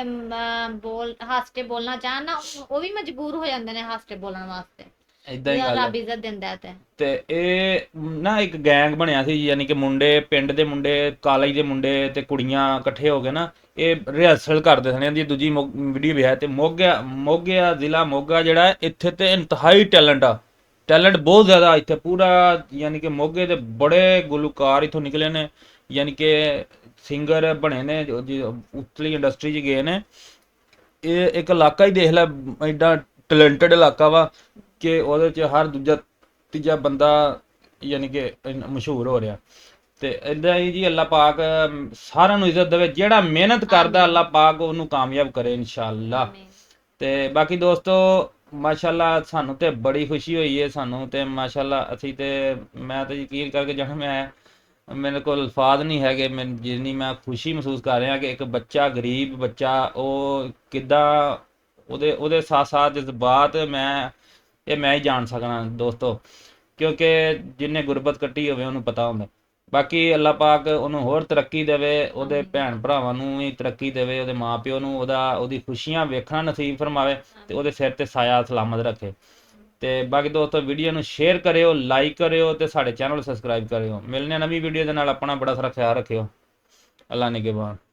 Speaker 1: ਹੱਸ ਕੇ ਬੋਲਣਾ ਚਾਹਣ ਨਾ, ਉਹ ਵੀ ਮਜਬੂਰ ਹੋ ਜਾਂਦੇ ਨੇ ਹੱਸ ਕੇ ਬੋਲਣ ਵਾਸਤੇ।
Speaker 2: ਏਦਾਂ ਹੀ ਗੱਲ
Speaker 1: ਰੱਬ
Speaker 2: ਹੈ।
Speaker 1: ਇੱਜ਼ਤ ਦਿੰਦਾ ਹੈ।
Speaker 2: ਤੇ ਇਹ ਨਾ ਇੱਕ ਗੈਂਗ ਬਣਿਆ ਸੀ, ਯਾਨੀ ਕਿ ਮੁੰਡੇ, ਪਿੰਡ ਦੇ ਮੁੰਡੇ, ਕਾਲਜ ਦੇ ਮੁੰਡੇ ਤੇ ਕੁੜੀਆਂ ਇਕੱਠੇ ਹੋ ਕੇ ਨਾ ਇਹ ਰਿਹਰਸਲ ਕਰਦੇ ਸਨ। ਇਹਦੀ ਦੂਜੀ ਵੀਡੀਓ ਵੀ ਹੈ। ਤੇ ਮੋਗਾ ਜ਼ਿਲ੍ਹਾ ਮੋਗਾ ਜਿਹੜਾ ਹੈ, ਇੱਥੇ ਤੇ ਇੰਤਹਾਈ ਟੈਲੈਂਟ ਬਹੁਤ ਜ਼ਿਆਦਾ ਇੱਥੇ ਪੂਰਾ, ਯਾਨੀ ਕਿ ਮੋਗੇ ਦੇ ਬੜੇ ਗੁਲੂਕਾਰ ਇੱਥੋਂ ਨਿਕਲੇ ਨੇ, ਯਾਨੀ ਕਿ ਸਿੰਗਰ ਬਣੇ ਨੇ, ਉਤਲੀ ਇੰਡਸਟਰੀ 'ਚ ਗਏ ਨੇ। ਇਹ ਇੱਕ ਇਲਾਕਾ ਹੀ ਦੇਖ ਲੈ, ਐਡਾ ਟੈਲੈਂਟਡ ਇਲਾਕਾ ਵਾ ਕਿ ਉਹਦੇ 'ਚ ਹਰ ਦੂਜਾ ਤੀਜਾ ਬੰਦਾ ਯਾਨੀ ਕਿ ਮਸ਼ਹੂਰ ਹੋ ਰਿਹਾ। ਤੇ ਇੱਦਾਂ ਹੀ ਜੀ ਅੱਲਾਹ ਪਾਕ ਸਾਰਿਆਂ ਨੂੰ ਇੱਜ਼ਤ ਦੇਵੇ, ਜਿਹੜਾ ਮਿਹਨਤ ਕਰਦਾ ਅੱਲਾਹ ਪਾਕ ਉਹਨੂੰ ਕਾਮਯਾਬ ਕਰੇ ਇਨਸ਼ਾਅੱਲਾ। ਤੇ ਬਾਕੀ ਦੋਸਤੋ ਮਾਸ਼ਾਅੱਲਾ ਸਾਨੂੰ ਤੇ ਬੜੀ ਖੁਸ਼ੀ ਹੋਈ ਹੈ, ਸਾਨੂੰ ਤੇ ਮਾਸ਼ਾਅੱਲਾ ਅਸੀਂ ਤੇ ਮੈਂ ਤਾਂ ਯਕੀਨ ਕਰਕੇ ਜਾਣਾ, ਮੇਰੇ ਕੋਲ ਅਲਫਾਜ਼ ਨਹੀਂ ਹੈਗੇ, ਜਿੰਨੀ ਮੈਂ ਖੁਸ਼ੀ ਮਹਿਸੂਸ ਕਰ ਰਿਹਾ ਕਿ ਇੱਕ ਬੱਚਾ, ਗਰੀਬ ਬੱਚਾ, ਉਹ ਕਿੱਦਾਂ ਉਹਦੇ ਸਾਥ ਸਾਥ ਜਜ਼ਬਾਤ ਮੈਂ ਹੀ ਜਾਣ ਸਕਣਾ ਦੋਸਤੋ, ਕਿਉਂਕਿ ਜਿਹਨੇ ਗੁਰਬਤ ਕੱਟੀ ਹੋਵੇ ਉਹਨੂੰ ਪਤਾ ਹੁੰਦਾ। ਬਾਕੀ ਅੱਲਾਹ ਪਾਕ ਉਹਨੂੰ ਹੋਰ ਤਰੱਕੀ ਦੇਵੇ, ਉਹਦੇ ਭੈਣ ਭਰਾਵਾਂ ਨੂੰ ਵੀ ਤਰੱਕੀ ਦੇਵੇ, ਉਹਦੇ ਮਾਂ ਪਿਓ ਨੂੰ ਉਹਦੀ ਖੁਸ਼ੀਆਂ ਵੇਖਣਾ ਨਸੀਬ ਫਰਮਾਵੇ, ਤੇ ਉਹਦੇ ਸਿਰ ਤੇ ਸਾਇਆ ਸਲਾਮਤ ਰੱਖੇ। ਤੇ ਬਾਕੀ ਦੋਸਤੋ ਵੀਡੀਓ ਨੂੰ ਸ਼ੇਅਰ ਕਰਿਓ, ਲਾਈਕ ਕਰਿਓ ਤੇ ਸਾਡੇ ਚੈਨਲ ਨੂੰ ਸਬਸਕ੍ਰਾਈਬ ਕਰਿਓ। ਮਿਲਨੇ ਆ ਨਵੀਂ ਵੀਡੀਓ ਦੇ ਨਾਲ। ਆਪਣਾ ਬੜਾ ਸਾਰਾ ਖਿਆਲ ਰੱਖਿਓ। ਅੱਲਾ ਨਿਗਹਿਬਾਨ।